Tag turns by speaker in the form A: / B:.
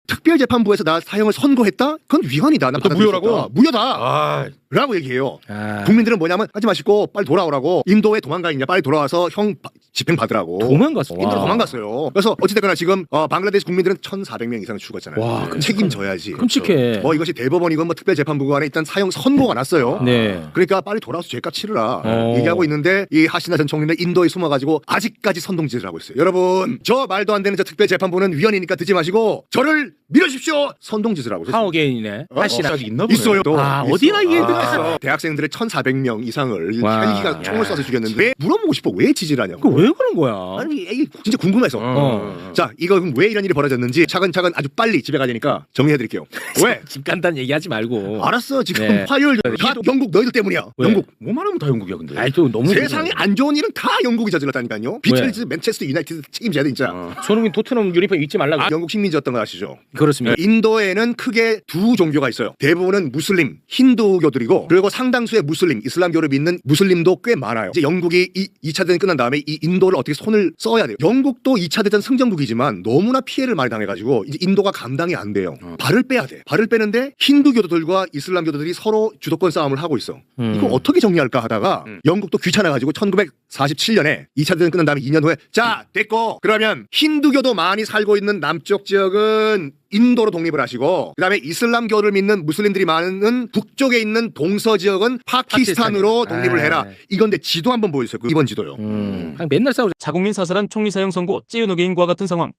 A: 특별재판부에서 나 사형을 선고했다? 그건 위헌이다. 나
B: 무효라고?
A: 무효다.
B: 아,
A: 라고 얘기해요. 국민들은 뭐냐면 하지 마시고 빨리 돌아오라고. 인도에 도망가 있냐 빨리 돌아와서 형 집행 받으라고.
C: 도망갔어.
A: 인도로 도망갔어요. 그래서 어찌됐거나 지금 방글라데시 국민들은 1,400명 이상 죽었잖아요.
C: 와,
A: 책임져야지.
C: 끔찍해.
A: 뭐 이것이 대법원이건 뭐 특별재판부가 안에 일단 사형 선고가 났어요.
C: 네.
A: 그러니까 빨리 돌아와서 죄값 치르라 얘기하고 있는데 이 하시나 전 총리는 인도에 숨어가지고 아직까지 선동질을 하고 있어요. 여러분 저 말도 안 되는 저 특별재판부는 위헌이니까 듣지 마시고 저를 밀어주십시오. 선동질을 하고 있어요.
C: 하오게인이네. 하시나.
B: 있나 보네.
A: 있어요. 또.
C: 아,
A: 있어.
C: 어디나 이게
A: 대학생들의 1,400명 이상을
C: 와.
A: 헬기가 총을 쏴서 죽였는데 왜 물어보고 싶어? 왜 지지하냐고.
C: 왜 그런 거야?
A: 아니 에이, 진짜 궁금해서. 자 이거 그럼 왜 이런 일이 벌어졌는지 차근차근 아주 빨리 집에 가니까 정리해드릴게요. 왜?
C: 집 간단 얘기하지 말고.
A: 알았어 지금
C: 네.
A: 화요일 다 영국 너희들 때문이야.
C: 왜?
A: 영국
B: 뭐만 하면 다 영국이야 근데.
C: 아이 또 너무
A: 세상에 안 좋은 일은 다 영국이 저질렀다니까요. 비틀즈, 맨체스터 유나이티드 책임져야 돼 진짜.
C: 손흥민 토트넘 유니폼 입지 말라고.
A: 영국 식민지였던 거 아시죠?
C: 그렇습니다.
A: 인도에는 크게 두 종교가 있어요. 대부분은 무슬림, 힌두교들이고 그리고 상당수의 무슬림, 이슬람교를 믿는 무슬림도 꽤 많아요. 이제 영국이 2차 대전이 끝난 다음에 이 인도를 어떻게 손을 써야 돼요. 영국도 2차 대전 승전국이지만 너무나 피해를 많이 당해가지고 이제 인도가 감당이 안 돼요. 발을 빼야 돼. 발을 빼는데 힌두교도들과 이슬람교도들이 서로 주도권 싸움을 하고 있어. 이거 어떻게 정리할까 하다가 영국도 귀찮아가지고 1947년에 2차 대전 끝난 다음에 2년 후에 자 됐고 그러면 힌두교도 많이 살고 있는 남쪽 지역은 인도로 독립을 하시고 그다음에 이슬람교를 믿는 무슬림들이 많은 북쪽에 있는 동서 지역은 파키스탄으로 독립을 해라. 이건데 지도 한번 보여주세요. 이번 지도요.
C: 그냥 맨날 싸우자.
D: 자국민 사살한 총리 사형 선고 찌우노 개인과 같은 상황.